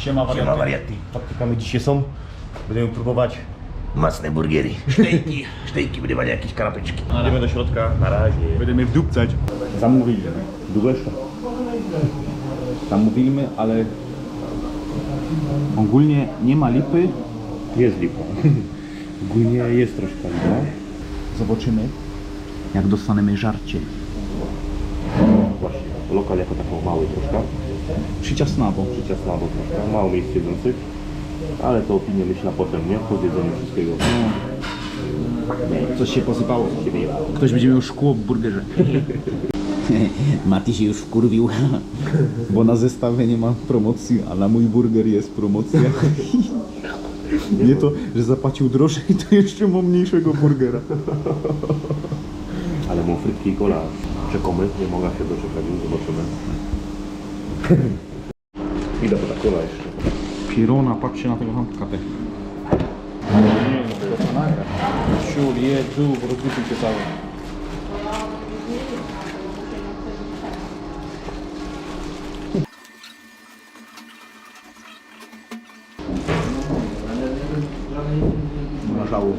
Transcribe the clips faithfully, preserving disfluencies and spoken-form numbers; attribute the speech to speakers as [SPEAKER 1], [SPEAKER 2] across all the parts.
[SPEAKER 1] Siema wariaty.
[SPEAKER 2] Siema wariaty. Faktykami dzisiaj są. Będziemy próbować masne burgery. Sztejki. Sztejki, będziemy mieli jakieś kanapeczki. Idziemy do środka. Na razie.
[SPEAKER 1] Będziemy wdupcać. Zamówiliśmy.
[SPEAKER 2] Dłużeszka.
[SPEAKER 1] Zamówiliśmy, ale ogólnie nie ma lipy.
[SPEAKER 2] Jest lipa. Ogólnie jest troszkę lipa.
[SPEAKER 1] Zobaczymy, jak dostaniemy żarcie.
[SPEAKER 2] Właśnie. Lokal jako taką mały troszkę.
[SPEAKER 1] Przyciasnawo.
[SPEAKER 2] Przyciasnawo troszkę. Mało miejsc jedzących. Ale to opinie myślę potem, nie? Po zjedzeniu wszystkiego.
[SPEAKER 1] Coś się posypało. Ktoś będzie miał szkło w burgerze. Mati się już wkurwił, bo na zestawie nie ma promocji, a na mój burger jest promocja. Nie to, że zapłacił drożej, to jeszcze mam mniejszego burgera.
[SPEAKER 2] Ale mu frytki i kola czekamy. Nie mogę się doczekać, już zobaczymy. Idę po ta kola jeszcze.
[SPEAKER 1] Pirona, patrzcie na tego hamkatę. Siur, jedzu, rozrzucił się cały. Na żału.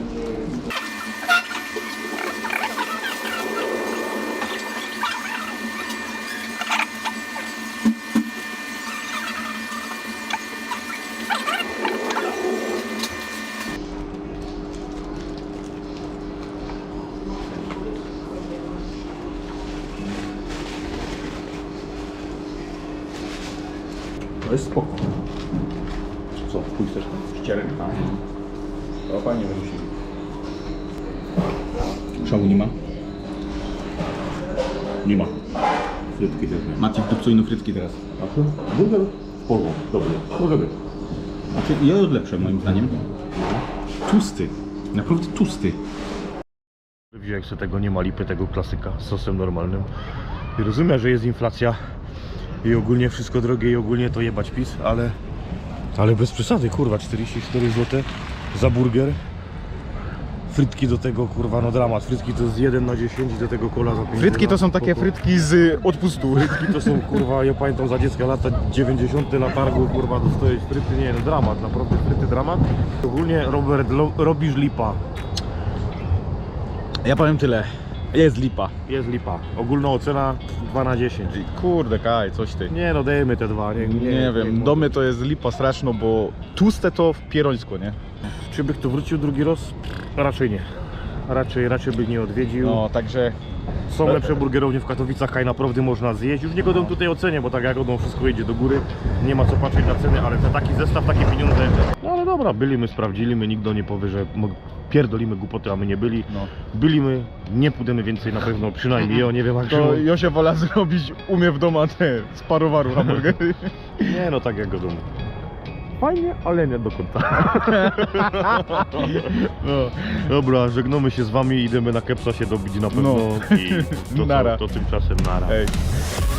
[SPEAKER 1] To jest spoko.
[SPEAKER 2] Co? Pójdź też?
[SPEAKER 1] Ścierek, tak. To fajnie wymyślili. Szału nie ma? Nie ma.
[SPEAKER 2] Frytki też nie.
[SPEAKER 1] Macie wdupcujną frytki teraz.
[SPEAKER 2] A co? Burger? W porządku. Dobry. Może być.
[SPEAKER 1] Znaczy, ja lepsze moim zdaniem. Tłusty. Naprawdę tłusty.
[SPEAKER 2] Jak sobie tego nie ma lipy, tego klasyka z sosem normalnym. I rozumiem, że jest inflacja i ogólnie wszystko drogie i ogólnie to jebać PiS, ale ale bez przesady, kurwa, czterdzieści cztery złote za burger. Frytki do tego, kurwa, no dramat. Frytki to jest jeden na dziesięć i do tego kola za pięć.
[SPEAKER 1] Frytki to są takie
[SPEAKER 2] spoko.
[SPEAKER 1] frytki z odpustu.
[SPEAKER 2] Frytki to są, kurwa, ja pamiętam za dziecka lata dziewięćdziesiąte na targu, kurwa, dostajesz fryty, nie no, dramat, naprawdę fryty dramat. Ogólnie, Robert, lo, robisz lipa.
[SPEAKER 1] Ja powiem tyle. Jest lipa.
[SPEAKER 2] Jest lipa. Ogólna ocena dwa na dziesięć.
[SPEAKER 1] Kurde Kaj, coś ty.
[SPEAKER 2] Nie no, dajemy te dwa, nie, nie,
[SPEAKER 1] Nie wiem, do mnie to jest lipa straszno, bo tłuste to w pierońsko, nie?
[SPEAKER 2] Czy bych tu wrócił drugi raz? Raczej nie. Raczej, raczej by nie odwiedził.
[SPEAKER 1] No, także
[SPEAKER 2] Są lepsze burgerownie w Katowicach, Kaj naprawdę można zjeść. Już nie godą tutaj ocenie, bo tak jak godą wszystko idzie do góry. Nie ma co patrzeć na ceny, ale za taki zestaw, takie pieniądze. No ale dobra, byli my, sprawdzili my, nikt nie powie, że pierdolimy głupoty, a my nie byli.
[SPEAKER 1] no.
[SPEAKER 2] Byli my, nie pójdziemy więcej na pewno, przynajmniej ja, nie wiem jak
[SPEAKER 1] To
[SPEAKER 2] się...
[SPEAKER 1] Josia wola zrobić umie w domu te z parowaru hamburgery.
[SPEAKER 2] Nie no, tak jak godą. Fajnie, ale nie do końca.
[SPEAKER 1] No.
[SPEAKER 2] Dobra, żegnamy się z wami, idziemy na kepsa się dobić na pewno
[SPEAKER 1] No.
[SPEAKER 2] i to,
[SPEAKER 1] Nara.
[SPEAKER 2] to, to tymczasem nara.
[SPEAKER 1] Ej.